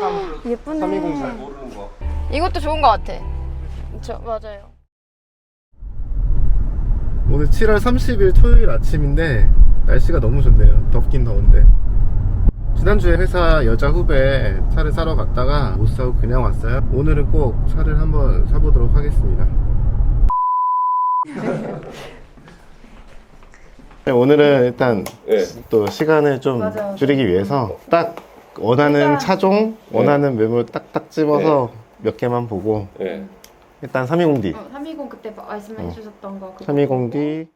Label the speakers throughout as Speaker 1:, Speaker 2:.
Speaker 1: 예쁘네.
Speaker 2: 320 잘 모르는 거.
Speaker 1: 이것도 좋은 거 같아. 그쵸, 맞아요.
Speaker 2: 오늘 7월 30일 토요일 아침인데 날씨가 너무 좋네요. 덥긴 더운데. 지난주에 회사 여자 후배 차를 사러 갔다가 못 사고 그냥 왔어요. 오늘은 꼭 차를 한번 사보도록 하겠습니다. 오늘은 일단 또 시간을 좀
Speaker 1: 맞아요.
Speaker 2: 줄이기 위해서 딱 원하는
Speaker 1: 일단,
Speaker 2: 차종, 원하는 매물 딱딱 집어서 몇 개만 보고 일단 320D
Speaker 1: 320 그때 말씀해 주셨던 거.
Speaker 2: 320D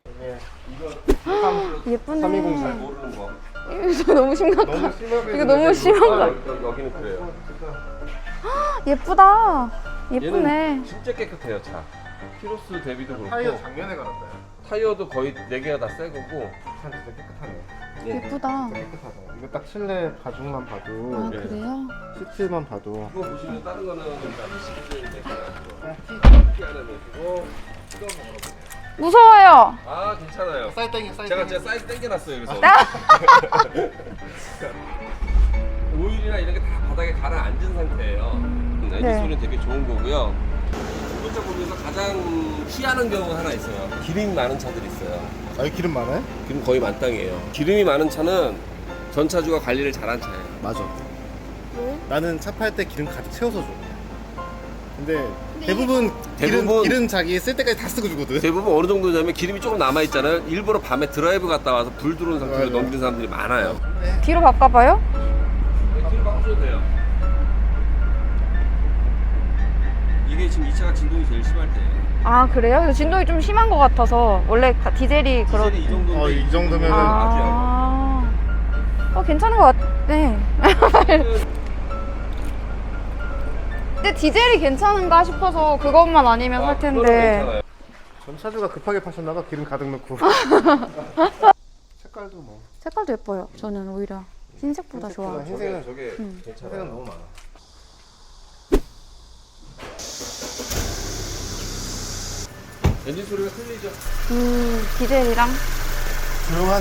Speaker 1: 예쁘네.
Speaker 2: 320 잘 모르는 거.
Speaker 1: 이거 너무 심각하.
Speaker 2: 너무 심하게
Speaker 1: 이거 너무 심한 거.
Speaker 2: 여기는 그래요.
Speaker 1: 예쁘다. 예쁘네.
Speaker 3: 얘는 진짜 깨끗해요. 차 키로수 대비도 그렇고
Speaker 2: 타이어 작년에 갈았어요.
Speaker 3: 타이어도 거의 4개가 다 새 거고.
Speaker 2: 차 진짜 깨끗하네요.
Speaker 1: 예쁘다.
Speaker 2: 깨끗하다. 이거 딱 실내 가죽만 봐도
Speaker 1: 아, 그래요?
Speaker 2: 시트만 봐도
Speaker 3: 이거 보시면 다른 거는
Speaker 1: 무서워요.
Speaker 3: 아 괜찮아요.
Speaker 2: 사이드 땡겨
Speaker 3: 제가 사이즈 땡겨놨어요. 그래서 오일이나 이런 게 다 바닥에 가라앉은 상태예요. 엔진
Speaker 1: 네.
Speaker 3: 소리는 되게 좋은 거고요. 중고차 보면서 가장 피하는 경우가 하나 있어요. 기름이 많은 차들이 있어요.
Speaker 2: 아, 여기 기름 많아요?
Speaker 3: 기름 거의 만땅이에요. 기름이 많은 차는 전차주가 관리를 잘한 차예요.
Speaker 2: 맞아.
Speaker 1: 왜?
Speaker 2: 나는 차 팔 때 기름 가득 채워서 줘. 근데 대부분
Speaker 3: 대부분-
Speaker 2: 기름 자기 쓸 때까지 다 쓰고 주거든.
Speaker 3: 대부분 어느 정도냐면 기름이 조금 남아있잖아요. 일부러 밤에 드라이브 갔다 와서 불 들어온 상태로
Speaker 2: 맞아.
Speaker 3: 넘기는 사람들이 많아요.
Speaker 1: 뒤로 바꿔봐요?
Speaker 3: 기름 바꿔줘도 돼요. 이게 지금 이 차가 진동이 제일 심할 때예요.
Speaker 1: 아, 그래요? 그래서 진동이 좀 심한 것 같아서. 원래 디젤이 그런.
Speaker 3: 디젤이 이 정도인데
Speaker 2: 이 정도면은
Speaker 1: 아. 괜찮은 것 같네. 근데 디젤이 괜찮은가 싶어서 그것만 아니면 살 텐데.
Speaker 2: 전차주가 급하게 파셨나봐. 기름 가득 넣고. 색깔도 뭐.
Speaker 1: 색깔도 예뻐요. 저는 오히려 흰색보다 좋아.
Speaker 2: 흰색은
Speaker 3: 저게
Speaker 2: 흰색은
Speaker 3: 괜찮아요.
Speaker 2: 너무 많아.
Speaker 3: 엔진 소리가 틀리죠?
Speaker 1: 디젤이랑.
Speaker 2: 조용하네.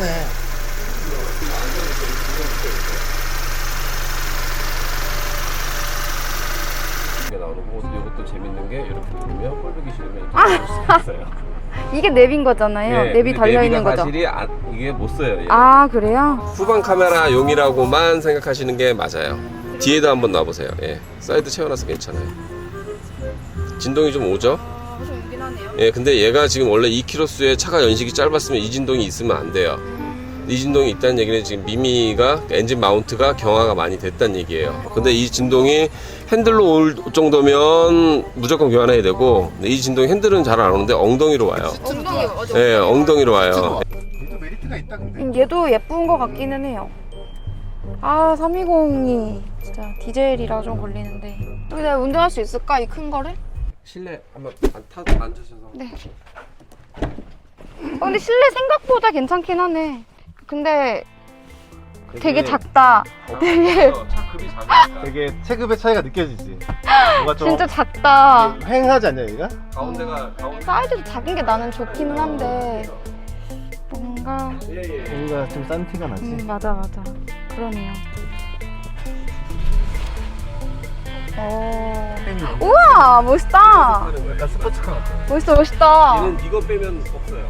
Speaker 3: 이게 나오는 거. 이것도 재밌는 게 이렇게 누르면 꼴보기 싫으면 이렇게 누를 수 있어요.
Speaker 1: 이게 냅인 거잖아요.
Speaker 3: 네,
Speaker 1: 냅이
Speaker 3: 근데
Speaker 1: 달려있는
Speaker 3: 내비가
Speaker 1: 거죠.
Speaker 3: 사실이 이게 못 써요. 얘는.
Speaker 1: 아, 그래요?
Speaker 3: 후방 카메라용이라고만 생각하시는 게 맞아요. 뒤에도 한번 놔보세요. 예, 사이드 채워놔서 괜찮아요. 진동이 좀 오죠?
Speaker 1: 좀 오긴 하네요.
Speaker 3: 예, 근데 얘가 지금 원래 2km수에 차가 연식이 짧았으면 이 진동이 있으면 안 돼요. 이 진동이 있다는 얘기는 지금 미미가 엔진 마운트가 경화가 많이 됐다는 얘기예요. 근데 이 진동이 핸들로 올 정도면 무조건 교환해야 되고, 근데 이 진동이 핸들은 잘 안 오는데 엉덩이로 와요.
Speaker 1: 엉덩이 맞아.
Speaker 3: 예, 엉덩이로 와요.
Speaker 2: 얘도 메리트가 있다 근데.
Speaker 1: 얘도 예쁜 것 같기는 해요. 아, 320이 진짜 디젤이라 좀 걸리는데. 여기 내가 운전할 수 있을까? 이 큰 거를?
Speaker 3: 실내 한번 앉으셔서.
Speaker 1: 네. 근데 실내 생각보다 괜찮긴 하네. 근데 되게 작다. 되게
Speaker 3: 차 급이 작으니까.
Speaker 2: 되게 체급의 차이가 느껴지지. 뭔가 좀
Speaker 1: 진짜 작다.
Speaker 2: 횡하지 않냐 얘가?
Speaker 3: 가운데
Speaker 1: 사이즈도 작은 게 나는 좋기는 한데 뭔가
Speaker 2: 여기가 좀 싼 티가 나지.
Speaker 1: 맞아 그러네요. 우와, 멋있다.
Speaker 2: 약간 스포츠카 같아.
Speaker 1: 멋있다.
Speaker 3: 얘는 이거 빼면 없어요.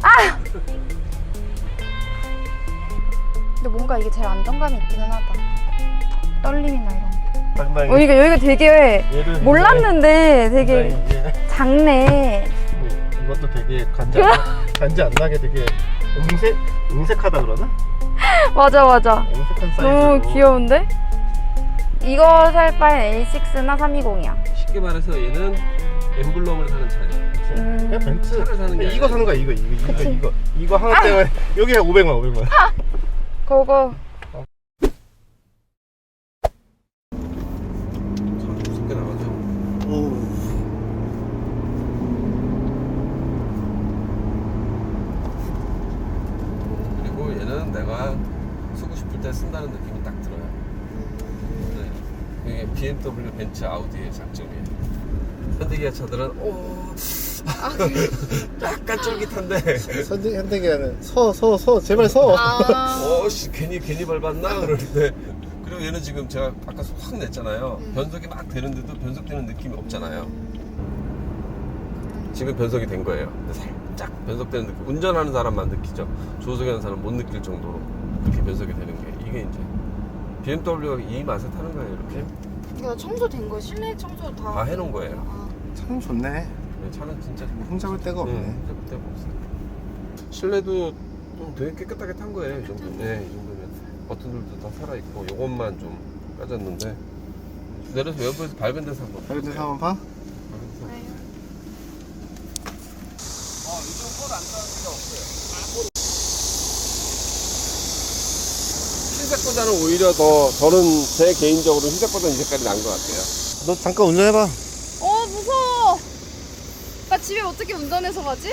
Speaker 1: 근데 뭔가 이게 제일 안정감이 있기는 하다. 떨림이나 이런 게.
Speaker 2: 상당히.
Speaker 1: 여기가 되게
Speaker 2: 얘는
Speaker 1: 몰랐는데 되게
Speaker 2: 이제
Speaker 1: 작네.
Speaker 2: 이것도 되게 간지 안 나게 되게 음색하다 그러나?
Speaker 1: 맞아.
Speaker 2: 음색한 사이즈로.
Speaker 1: 너무 귀여운데? 이거 살 바엔 A6나 320이야.
Speaker 3: 쉽게 말해서 얘는 엠블럼을 사는 차예요.
Speaker 2: 그냥 벤츠.
Speaker 3: 차를 사는 게
Speaker 2: 이거
Speaker 3: 아니라.
Speaker 2: 사는 거야 이거 하나 때문에 여기가 500만.
Speaker 1: 그거
Speaker 3: 무섭게 나가죠. 그리고 얘는 내가 쓰고 싶을 때 쓴다는 느낌이 딱 들어요. 네. 이게 BMW, 벤츠, 아우디의 장점이에요. 현대기아 차들은 약간 쫄깃한데
Speaker 2: 현대기아는 서 제발 서.
Speaker 3: 괜히 밟았나 그러는데. 그리고 그리고 얘는 지금 제가 아까 확 냈잖아요. 변속이 막 되는데도 변속되는 느낌이 없잖아요. 지금 변속이 된 거예요. 근데 살짝 변속되는 느낌. 운전하는 사람만 느끼죠. 조수하는 사람 못 느낄 정도로 이렇게 변속이 되는 게 이게 이제 BMW가 이 맛에 타는 거예요. 이렇게
Speaker 1: 이거 청소된 거 실내 청소
Speaker 3: 다 해놓은 거예요.
Speaker 1: 아,
Speaker 2: 참 좋네.
Speaker 3: 네, 차는 진짜
Speaker 2: 흠잡을 데가 없네.
Speaker 3: 흠잡을 데가 없어요. 실내도 좀 되게 깨끗하게 탄 거예요. 이 정도면. 네, 이 정도면 버튼들도 다 살아 있고 요것만 좀 까졌는데 내려서 외부에서 밝은 데서 한번
Speaker 2: 밝은 데서 한번 봐?
Speaker 3: 요즘 꼴안 나는 데가 없어요. 흰색보다는 오히려 더 저는 제 개인적으로 흰색보다는 이 색깔이 나은 것 같아요.
Speaker 2: 너 잠깐 운전해봐.
Speaker 1: 무서워. 나 집에 어떻게 운전해서 가지?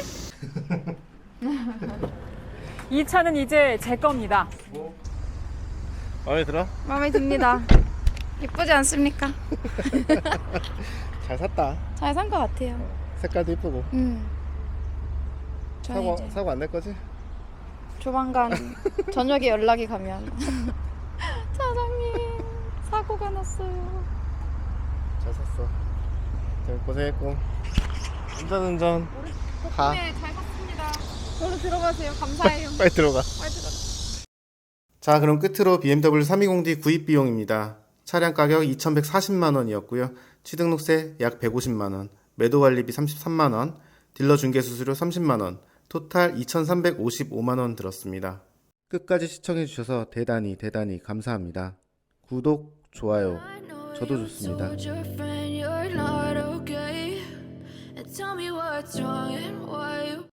Speaker 4: 이 차는 이제 제 겁니다.
Speaker 2: 마음에 들어?
Speaker 1: 마음에 듭니다. 예쁘지 않습니까?
Speaker 2: 잘 샀다.
Speaker 1: 잘 산 것 같아요.
Speaker 2: 색깔도 이쁘고.
Speaker 1: 저는 이제
Speaker 2: 사고 안 낼 거지?
Speaker 1: 조만간 저녁에 연락이 가면 사장님 사고가 났어요.
Speaker 2: 잘 샀어. 잘 고생했고. 운전. 가.
Speaker 1: 네, 잘 샀습니다. 저로 들어가세요. 감사해요.
Speaker 2: 빨리 들어가.
Speaker 1: 빨리 들어가.
Speaker 2: 자, 그럼 끝으로 BMW 320D 구입 비용입니다. 차량 가격 2,140만원이었고요. 취등록세 약 150만원, 매도관리비 33만원, 딜러 중개수수료 30만원, 토탈 2,355만원 들었습니다. 끝까지 시청해주셔서 대단히 감사합니다. 구독, 좋아요, 저도 좋습니다.
Speaker 5: Tell me what's wrong and why you